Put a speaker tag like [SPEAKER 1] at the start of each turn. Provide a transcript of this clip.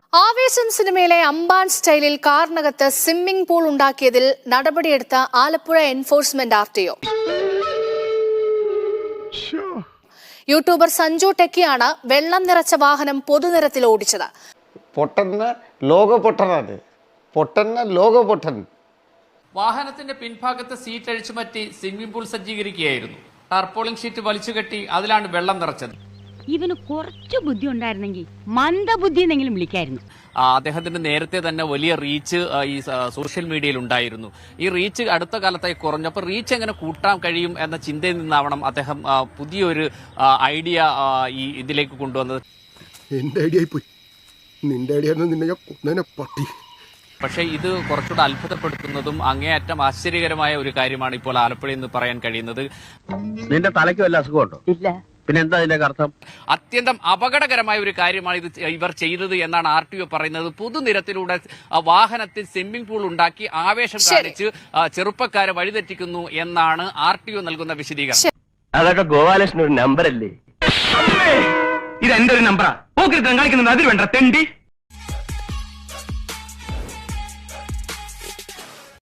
[SPEAKER 1] ആവേശം സിനിമയിലെ അമ്പാൻ സ്റ്റൈലിൽ കാറിനകത്ത് സ്വിമ്മിംഗ് പൂൾ ഉണ്ടാക്കിയതിൽ നടപടിയെടുത്ത Alappuzha enforcement RTO. YouTuber Sanju ടെക്കിയാണ് വെള്ളം നിറച്ച വാഹനം പൊതുനിരത്തിൽ ഓടിച്ചത്.
[SPEAKER 2] വാഹനത്തിന്റെ പിൻഭാഗത്ത് സീറ്റ് അഴിച്ചുമാറ്റി സ്വിമ്മിംഗ് പൂൾ സജ്ജീകരിക്കുകയായിരുന്നു. ടാർപോളിംഗ് ഷീറ്റ് വലിച്ചുകെട്ടി അതിലാണ് വെള്ളം നിറച്ചത്.
[SPEAKER 3] ഇവന് കുറച്ചു ബുദ്ധി ഉണ്ടായിരുന്നെങ്കിൽ മന്ദബുദ്ധി എന്നെങ്കിലും വിളിക്കായിരുന്നു.
[SPEAKER 2] അദ്ദേഹത്തിന് നേരത്തെ തന്നെ വലിയ റീച്ച് ഈ സോഷ്യൽ മീഡിയയിൽ ഉണ്ടായിരുന്നു. ഈ റീച്ച് അടുത്ത കാലത്തായി കുറഞ്ഞപ്പോൾ റീച്ച് എങ്ങനെ കൂട്ടാൻ കഴിയും എന്ന ചിന്തയിൽ നിന്നാവണം അദ്ദേഹം പുതിയൊരു ഐഡിയ ഈ ഇതിലേക്ക് കൊണ്ടുവന്നത്.
[SPEAKER 4] എന്റെ ഐഡിയ പോയി, നിന്റെ ഐഡിയ നിന്നെ ഞാൻ കൊന്നേനെ പട്ടി.
[SPEAKER 2] പക്ഷേ ഇത് കുറച്ചുകൂടെ അത്ഭുതപ്പെടുത്തുന്നതും അങ്ങേയറ്റം ആശ്ചര്യകരമായ ഒരു കാര്യമാണ് ഇപ്പോൾ ആലപ്പുഴയിൽ നിന്ന് പറയാൻ കഴിയുന്നത്.
[SPEAKER 5] നിന്റെ തലയ്ക്ക് വല്ല അസുഖമുണ്ടോ? ഇല്ല. പിന്നെ എന്താ ഇതിന്റെ അർത്ഥം?
[SPEAKER 2] അത്യന്തം അപകടകരമായ ഒരു കാര്യമാണ് ഇവർ ചെയ്തത് എന്നാണ് RTO പറയുന്നത്. പൊതുനിരത്തിലൂടെ വാഹനത്തിൽ സ്വിമ്മിംഗ് പൂൾ ഉണ്ടാക്കി ആവേശം കാണിച്ച് ചെറുപ്പക്കാരെ വഴിതെറ്റിക്കുന്നു എന്നാണ് RTO നൽകുന്ന വിശദീകരണം.
[SPEAKER 5] അതൊക്കെ ഗോപാലകൃഷ്ണൻ ഒരു നമ്പർ അല്ലേ?
[SPEAKER 6] ഇത് എന്റെ ഒരു നമ്പറാ. പോക്കിരിത്തം കളിക്കുന്നത് അതിൽ വേണ്ട തെണ്ടി.